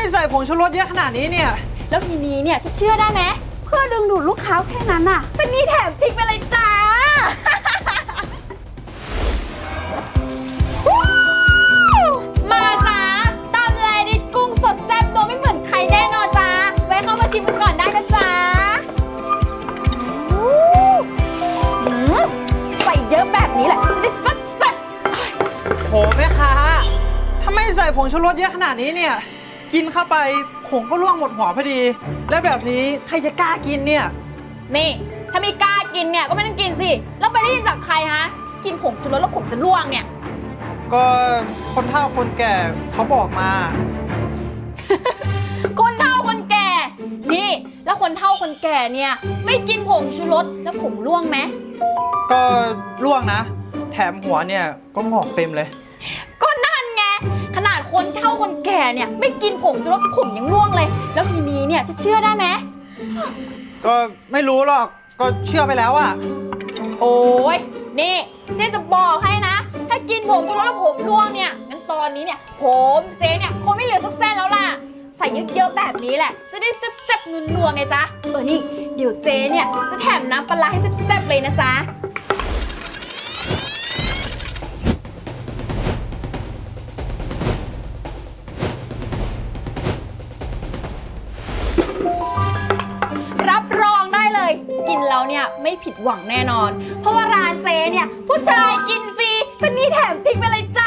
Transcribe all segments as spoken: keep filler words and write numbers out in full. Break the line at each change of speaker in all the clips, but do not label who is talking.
ใส่ผงชูรสเยอะขนาดนี้เนี่ย
แล้วทีนี้เนี่ยจะเชื่อได้ไหมเพื่อดึงดูดลูกค้าแค่นั้นน่ะเจนนี่แถมพริกไปเลยจ้า มาจ้าตำแลดิดกุ้งสดแซ่บตัวไม่เหมือนใครแน่นอนจ้าแวะเข้ามาชิมกันก่อนได้นะจ้าใส่เยอะแบบนี้แหละถึงได้แซ่บแซ่บ
โหแม่ค้าถ้าไม่ใส่ผงชูรสเยอะขนาดนี้เนี่ยกินเข้าไปผงก็ร่วงหมดหัวพอดีแล้วแบบนี้ใครจะกล้ากินเนี่ย
นี่ถ้าไม่กล้ากินเนี่ยก็ไม่ต้องกินสิแล้วไปได้ยินจากใครฮะกินผงชูรสแล้วผมจะร่วงเนี่ย
ก็คนเฒ่าคนแก่เขาบอกมา
คนเฒ่าคนแก่นี่แล้วคนเฒ่าคนแก่เนี่ยไม่กินผงชูรสแล้วผมร่วงไหม
ก็ร่วงนะแถมหัวเนี่ยก็งอกเต็มเลย
ก็นั่นไงขนาดคนเฒ่าคนแก่เนี่ยไม่กินผงชูรสผมยังร่วงเลยแล้วทีนี้เนี่ยจะเชื่อได้ไหม
ก็ไม่รู้หรอกก็เชื่อไปแล้วอะ
โอ้ยนี่เจ๊จะบอกให้นะถ้ากินผงชูรสแล้วผมร่วงเนี่ยงั้นตอนนี้เนี่ยผมเจ๊เนี่ยคงไม่เหลือสักเส้นแล้วล่ะใส่เยอะๆแบบนี้แหละจะได้แซ่บๆนัวๆไงจ๊ะเออนี่เดี๋ยวเจ๊เนี่ยจะแถมน้ำปลาให้แซ่บๆเลยนะจ๊ะรับรองได้เลยกินแล้วเนี่ยไม่ผิดหวังแน่นอนเพราะว่าร้านเจ๊เนี่ยผู้ชายกินฟรีฉันนี่แถมพริกไปเลยจ้า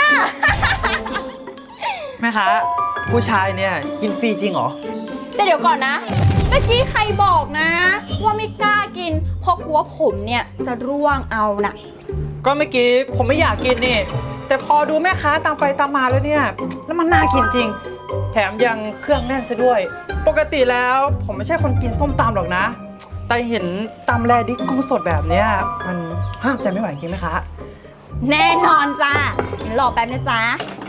แม่ค้าผู้ชายเนี่ยกินฟรีจริงเหรอ
แต่เดี๋ยวก่อนนะเมื่อกี้ใครบอกนะว่าไม่กล้ากินเพราะกลัวผมเนี่ยจะร่วงเอานะ
ก็เมื่อกี้ผมไม่อยากกินนี่แต่พอดูแม่ค้าตามไปตามมาแล้วเนี่ยแล้วมันน่ากินจริงแถมยังเครื่องแน่นซะด้วยปกติแล้วผมไม่ใช่คนกินส้มตำหรอกนะแต่เห็นตำแลดิกกุ้งสดแบบเนี้ยมันห้ามใจไม่ไหวจริงไหมคะ
แน่นอนจ้ารอแป๊บนะจ๊ะ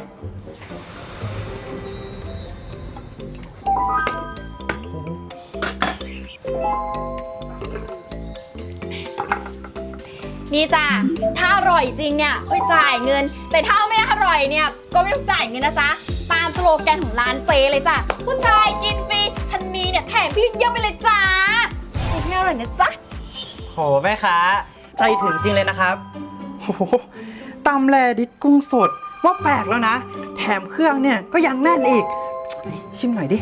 นี่จ้ะถ้าอร่อยจริงเนี่ยค่อยจ่ายเงินแต่ถ้าไม่อร่อยเนี่ยก็ไม่ต้องจ่ายเงินนะจ๊ะตามสโลแกนของร้านเจเลยจ้ะผู้ชายกินฟรีฉันมีเนี่ยแถมพี่เยอะไปเลยจ้ากินให้อร่อยนะจ๊ะ
โหแม่ค้าใจถึงจริงเลยนะครับโหตำแลดิกกุ้งสดว่าแปลกแล้วนะแถมเครื่องเนี่ยก็ยังแน่นอีกชิมหน่อยดิ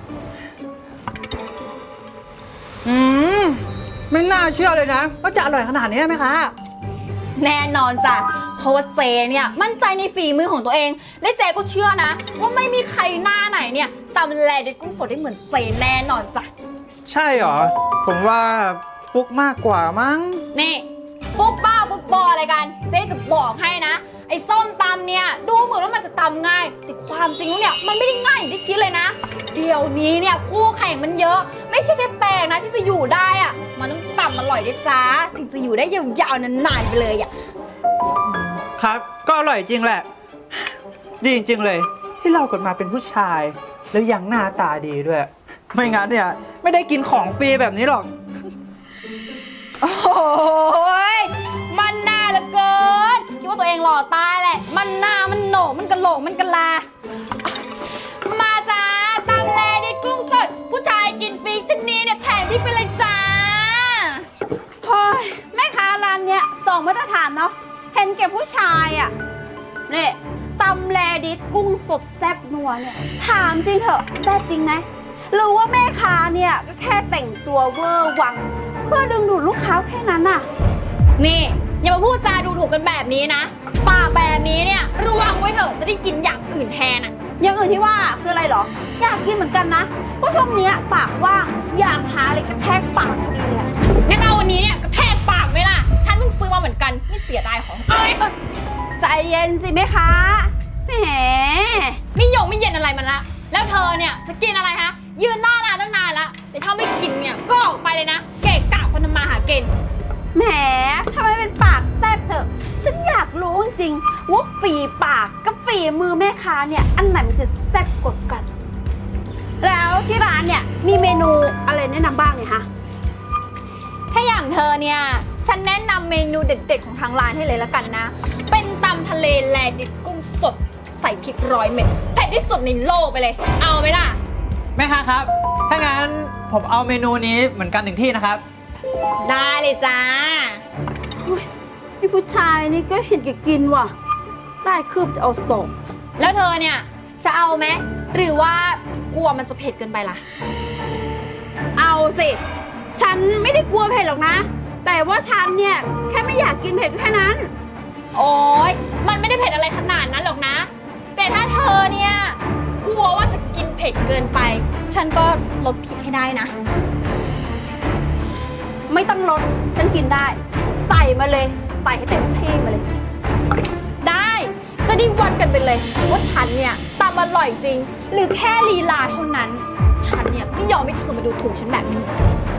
อืมไม่น่าเชื่อเลยนะว่าจะอร่อยขนาดนี้ไหมคะ
แน่นอนจ้ะเพราะว่าเจเนี่ยมั่นใจในฝีมือของตัวเองและเจก็เชื่อนะว่าไม่มีใครหน้าไหนเนี่ยตำแลดิกุ้งสดได้เหมือนเจแน่นอนจ้ะ
ใช่เหรอผมว่าฟุกมากกว่ามั้ง
นี่ฟุกบ้าฟุกบออะไรกันเจ๊จะบอกให้นะไอ้ส้มตำเนี่ยดูเหมือนว่ามันจะตำง่ายแต่ความจริงแล้วเนี่ยมันไม่ได้ง่ายอย่างที่คิดเลยนะเดี๋ยวนี้เนี่ยคู่แข่งมันเยอะไม่ใช่แค่แปลงนะที่จะอยู่ได้อะมันต้องตำอร่อยด้วยจ้าถึงจะอยู่ได้ยาวๆนานๆไปเลยอ่ะ
ครับก็อร่อยจริงแหละดีจริงๆเลยที่เราเกิดมาเป็นผู้ชายแล้วยังหน้าตาดีด้วยไม่งั้นเนี่ยไม่ได้กินของฟรีแบบนี้หรอก
โอ้ยมันหน้าเหลือเกินคิดว่าตัวเองหล่อตายแหละมันหน้ามันโหนกมันกระโหลกมันกระลามาจ้าตำแลดิกุ้งสดผู้ชายกินฟรีชนีเนี่ยแถมพริกไปเลยจ้าเฮ้ยแม่ค้าร้านเนี้ยสองมาตรฐานเนาะเห็นแก่ผู้ชายอ่ะนี่ตำแลดิกุ้งสดแซ่บนัวเนี่ยถามจริงเถอะแซ่บจริงไหมหรือว่าแม่ค้าเนี่ยก็แค่แต่งตัวเวอร์วังเพื่อดึงดูดลูกค้าแค่นั้นน่ะนี่อย่ามาพูดจาดูถูกกันแบบนี้นะปากแบบนี้เนี่ยระวังไว้เถอะจะได้กินอย่างอื่นแทนอ่ะอย่างอื่นที่ว่าคืออะไรหรออยากกินเหมือนกันนะเพราะช่วงนี้ปากว่างอยากหาอะไรกระแทกปากพอดีเลยงั้นเอาวันนี้เนี่ยกระแทกปากไหมล่ะฉันเพิ่งซื้อมาเหมือนกันไม่เสียดายของเอ้ยใจเย็นสิแม่ค้าแหมไม่ยงไม่เย็นอะไรมันละแล้วเธอเนี่ยจะกินอะไรฮะยืนหน้าร้านตั้งนานละแต่ถ้าไม่กินเนี่ยก็ออกไปเลยนะเกะกะคนทำมาหากินแหมทำไมเป็นปากแซ่บเถอะฉันอยากรู้จริงๆว่าฝีปากกับฝีมือแม่ค้าเนี่ยอันไหนมันจะแซ่บกว่ากันแล้วที่ร้านเนี่ยมีเมนูอะไรแนะนำบ้างเนี่ยคะถ้าอย่างเธอเนี่ยฉันแนะนำเมนูเด็ดๆของทางร้านให้เลยละกันนะเป็นตำทะเลแลดิบกุ้งสดใส่พริกร้อยเม็ดเผ็ดที่สุดในโลกไปเลย เอาไหมล่ะ
แม่ค้าครับ ถ้างั้นผมเอาเมนูนี้เหมือนกันหนึ่งที่นะครับ
ได้เลยจ้า
ไอ้ผู้ชายนี่ก็เห็นแกกินว่ะ ได้คืบจะเอาส่ง
แล้วเธอเนี่ยจะเอาไหมหรือว่ากลัวมันจะเผ็ดเกินไปล่ะ
เอาสิ ฉันไม่ได้กลัวเผ็ดหรอกนะ แต่ว่าฉันเนี่ยแค่ไม่อยากกินเผ็ดก็แค่นั้น
โอ๊ยมันไม่ได้เผ็ดอะไรขนาดนั้นหรอกนะ แต่ถ้าเธอเนี่ยกลัวว่าจะกินเผ็ดเกินไป ฉันก็ลดพริกให้ได้นะ
ไม่ต้องลด ฉันกินได้ ใส่มาเลย ใส่ให้เต็มที่มาเลย
ได้จะได้วัดกันไปเลยว่าฉันเนี่ยตำอร่อยจริง หรือแค่ลีลาเท่านั้น ฉันเนี่ยไม่ยอมให้เธอมาดูถูกฉันแบบนี้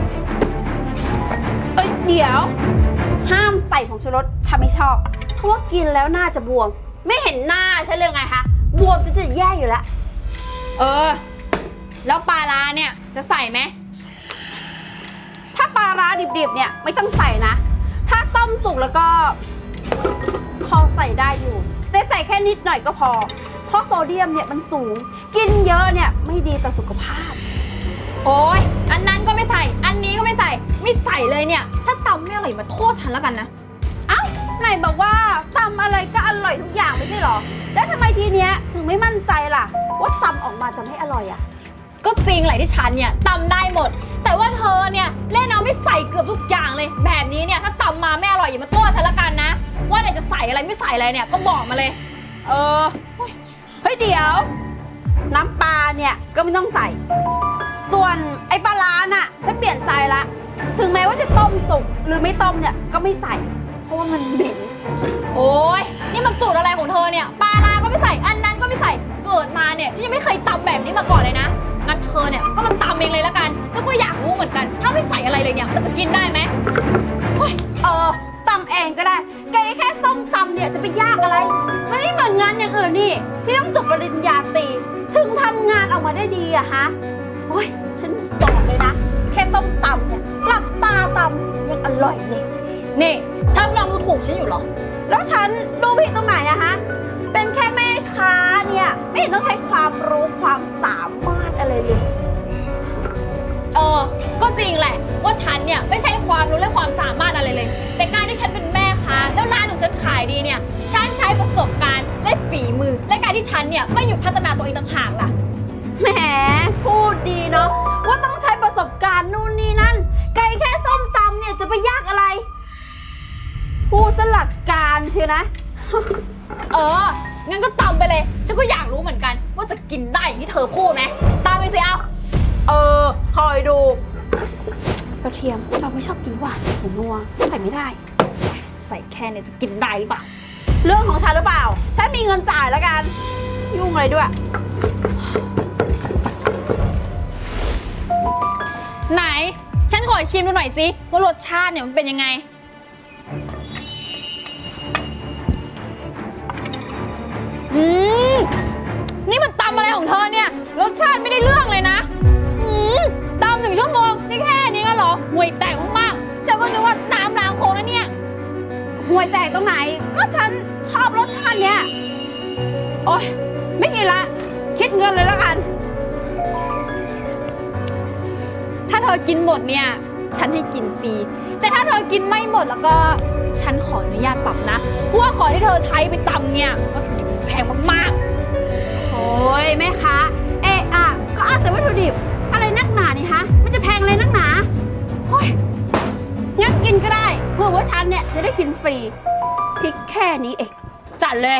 เอ้ยเดี๋ยว ห้ามใส่ผงชูรสฉันไม่ชอบ เพราะว่ากินแล้วหน้าจะบวม ไม่เห็นหน้าฉันเลยไงคะบวมจะจะแย่อยู่แล้ว
เออ แล้วปลาร้าเนี่ยจะใส่ไหม
ถ้าปลาร้าดิบๆเนี่ยไม่ต้องใส่นะ ถ้าต้มสุกแล้วก็พอใส่ได้อยู่ แต่ใส่แค่นิดหน่อยก็พอ เพราะโซเดียมเนี่ยมันสูง กินเยอะเนี่ยไม่ดีต่อสุขภาพ
โอ้ยอันนั้นก็ไม่ใส่ อันนี้ก็ไม่ใส่ ไม่ใส่เลยเนี่ย ถ้าตำไม่อร่อยมาโทษฉันแล้วกันนะ
เอ้าไหนบอกว่าตำอะไรก็อร่อยทุกอย่างไม่ใช่หรอ แล้วทำไมทีเนี้ยถึงไม่มั่นใจล่ะ ว่าตำออกมาจะไม่อร่อยอ่ะ
ก็จริงแหละที่ฉันเนี่ยตำได้หมด แต่ว่าเธอเนี่ยเล่นเอาไม่ใส่เกือบทุกอย่างเลย แบบนี้เนี่ยถ้าตำมาไม่อร่อยอย่ามาโทษฉันละกันนะ ว่าไหนจะใส่อะไรไม่ใส่อะไรเนี่ยก็บอกมาเลย
เออเฮ้ยเดี๋ยว น้ำปลาเนี่ยก็ไม่ต้องใส่ ส่วนไอ้ปลาร้าน่ะฉันเปลี่ยนใจละ ถึงแม้ว่าจะต้มสุกหรือไม่ต้มเนี่ยก็ไม่ใส่ เพราะว่ามันเหม็น
โอ้ยนี่มันสูตรอะไรของเธอเนี่ยปลาร้าก็ไม่ใส่อันนั้นก็ไม่ใส่เกิดมาเนี่ยฉันยังไม่เคยตำแบบนี้มาก่อนเลยนะงั้นเธอเนี่ยก็มาตำเองเลยละกันฉันก็อยากรู้เหมือนกัน ถ้าไม่ใส่อะไรเลยเนี่ยมันจะกินได้ไหม
เออตำเองก็ได้แกแค่ส้มตำเนี่ยจะไปยากอะไร มันไม่เหมือนงานอย่างอื่นนี่ ที่ต้องจบปริญญาตรีถึงทำงานออกมาได้ดีอะฮะโอ้ยฉันบอกเลยนะ แค่ส้มตำเนี่ยหลับตาตำยังอร่อยเลย
นี่เธอกำลังดูถูกฉันอยู่เหรอ
แล้วฉันดูผิดตรงไหนอะฮะ เป็นแค่แม่ค้าเนี่ยไม่เห็นต้องใช้ความรู้ความสามารถอะไรเลย
เออ ก็จริงแหละว่าฉันเนี่ยไม่ใช่ความรู้และความสามารถอะไรเลย แต่การที่ฉันเป็นแม่ค้าแล้วร้านของฉันขายดีเนี่ยฉันใช้ประสบการณ์และฝีมือ และการที่ฉันเนี่ยไม่หยุดพัฒนาตัวเองต่างหากล่ะ
แหมพูดดีเนาะว่าต้องใช้ประสบการณ์นู่นนี่นั่น ไก่แค่ส้มตำเนี่ยจะไปยากอะไร พูดสลักการเชียวนะ
เออ งั้นก็ตำไปเลย ฉันก็อยากรู้เหมือนกัน ว่าจะกินได้อย่างที่เธอพูดไหมตามไปสิเอา
เออคอยดู กระเทียมเราไม่ชอบกินหวานผมนัวใส่ไม่ได้
ใส่แค่เนี่ยจะกินได้หรือเปล่า
เรื่องของฉันหรือเปล่า ฉันมีเงินจ่ายแล้วกัน ยุ่งอะไรด้วย
ไหน ฉันขอชิมดูหน่อยสิว่ารสชาติเนี่ยมันเป็นยังไง อืม นี่มันตำอะไรของเธอเนี่ย รสชาติไม่ได้เรื่องเลยนะ อืมตำหนึ่งชั่วโมงนี่แค่นี้ก็เหรอห่วยแตกมากๆฉันก็นึกว่าน้ำล้างโคลนนะเนี่ย
ห่วยแตกตรงไหน ก็ฉันชอบรสชาติเนี้ย โอ๊ย ไม่กินละ คิดเงินเลยแล้วกัน
ถ้าเธอกินหมดเนี่ย ฉันให้กินฟรี แต่ถ้าเธอกินไม่หมดแล้วก็ ฉันขออนุญาตปรับนะเพราะว่าของที่เธอใช้ไปตำเนี่ยวัตถุดิบแพงมากๆ
โอ้ยแม่ค้าเอะอะก็เอาแต่วัตถุดิบ อะไรนักหนานี่ฮะ มันจะแพงอะไรนักหนาโอ้ยงั้นกินก็ได้ เพื่อว่าฉันเนี่ยจะได้กินฟรีพริกแค่นี้เอง
จัดเลย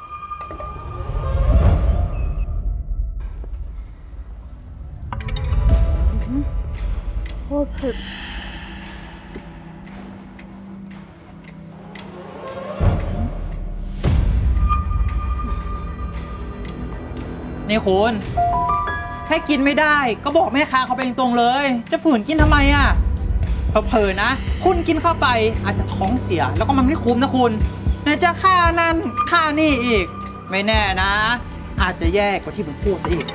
โอ้เผ็ด
นี่คุณถ้ากินไม่ได้ก็บอกแม่ค้าเขาไปตรงๆเลย จะฝืนกินทำไมอ่ะเผลอๆนะ คุณกินเข้าไปอาจจะท้องเสียแล้วก็มันไม่คุ้มนะคุณไหนจะค่านั่นค่านี่อีก ไม่แน่นะ อาจจะแย่กว่าที่ผมพูดซะอีก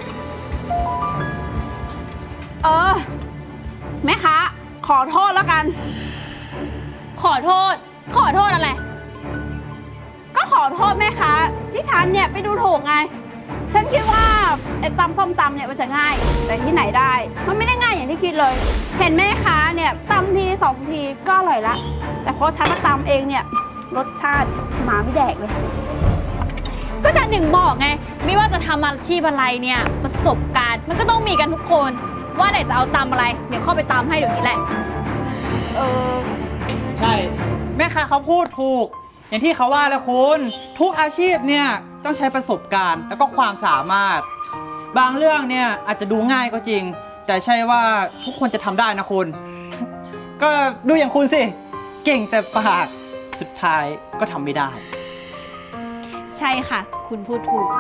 เออ แม่ค้าขอโทษแล้วกัน
ขอโทษ ขอโทษอะไร
กก็ขอโทษแม่ค้าที่ฉันเนี่ยไปดูถูกไง ฉันคิดว่าไอ้ตำส้มตำเนี่ยมันจะง่าย แต่ที่ไหนได้ มันไม่ได้ง่ายอย่างที่คิดเลย เห็นแม่ค้าเนี่ยตำทีสองทีก็อร่อยละ แต่เพราะฉันมาตำเองเนี่ยรสชาติหมาไม่แดกเลย
ก็ฉันถึงบอกไง ไม่ว่าจะทำอาชีพอะไรเนี่ยประสบการณ์มันก็ต้องมีกันทุกคน ว่าไหนจะเอาตำอะไร เดี๋ยวเข้าไปตำให้เดี๋ยวนี้แหละ
เออ
ใช่ แม่ค้าเขาพูดถูก อย่างที่เขาว่าแล้วคุณ ทุกอาชีพเนี่ยต้องใช้ประสบการณ์แล้วก็ความสามารถ บางเรื่องเนี่ยอาจจะดูง่ายก็จริง แต่ใช่ว่าทุกคนจะทำได้นะคุณ ก็ดูอย่างคุณสิ เก่งแต่ปากสุดท้ายก็ทำไม่ได้
ใช่ค่ะ คุณพูดถูก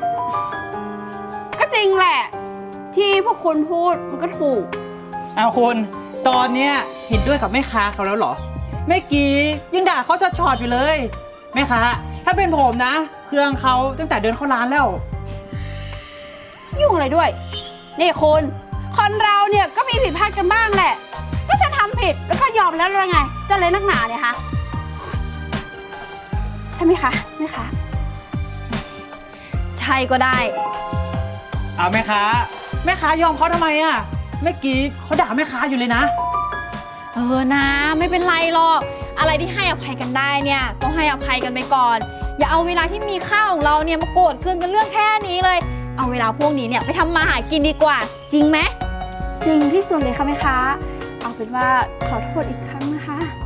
ก็จริงแหละ ที่พวกคุณพูดมันก็ถูก
เอาคุณตอนเนี้ยเห็นด้วยกับแม่ค้าเขาแล้วเหรอเมื่อกี้ยังด่าเขาชอดๆอยู่เลยแม่ค้าถ้าเป็นผมนะ เครื่องเขาตั้งแต่เดินเข้าร้านแล้ว
ยุ่งอะไรด้วย นี่คุณ คนเราเนี่ยก็มีผิดพลาดกันบ้างแหละ ก็ฉันทำผิดแล้วก็ยอมแล้วแล้วไง จะเลยนักหนาเนี่ยคะใช่ไหมคะแม่คะ
ใช่ก็ได้
เอาแม่ค้าแม่ค้ายอมเขาทำไมอ่ะเมื่อกี้เขาด่าแม่ค้าอยู่เลยนะ
เออนะไม่เป็นไรหรอก อะไรที่ให้อภัยกันได้เนี่ยก็ให้อภัยกันไปก่อน อย่าเอาเวลาที่มีค่าของเราเนี่ยมาโกรธเคืองกันเรื่องแค่นี้เลย เอาเวลาพวกนี้เนี่ยไปทำมาหากินดีกว่า จริงไหม
จริงที่สุดเลยค่ะแม่คะเอาเป็นว่าขอโทษอีกครั้งนะคะ